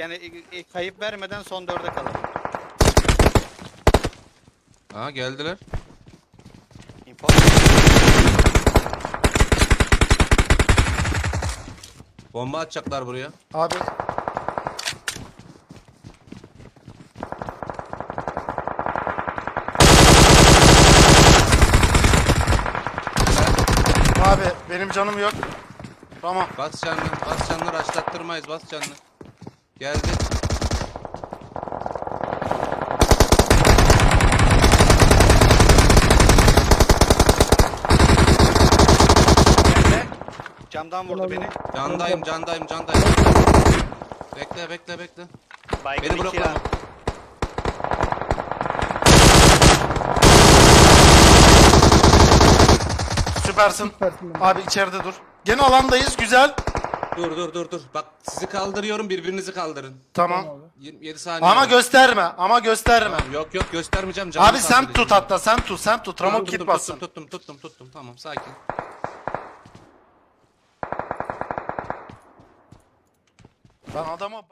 Yani kayıp vermeden son 4'e kalalım. Aha geldiler. Info. Bomba atacaklar buraya. Abi abi benim canım yok. Tamam. Bas canını, bas canını, raşlattırmayız, bas canını. Geldi. Nerede? Camdan vurdu beni. Candayım, candayım, candayım. Bekle, bekle, bekle. Baygın Beni 2 bloklama. ya. Süpersin. Süpersin. Abi içeride dur. Gene alandayız. Güzel. Dur, dur, dur, dur. Bak sizi kaldırıyorum, birbirinizi kaldırın. Tamam. 27 saniye. Ama var. gösterme. Ama gösterme. Tamam, yok yok göstermeyeceğim. canını Abi sen sabredeceğim. tut hatta. Sen tut. Sen tut. Ramok Tuttum, git bassın. tuttum. Tamam, sakin. Ben adama...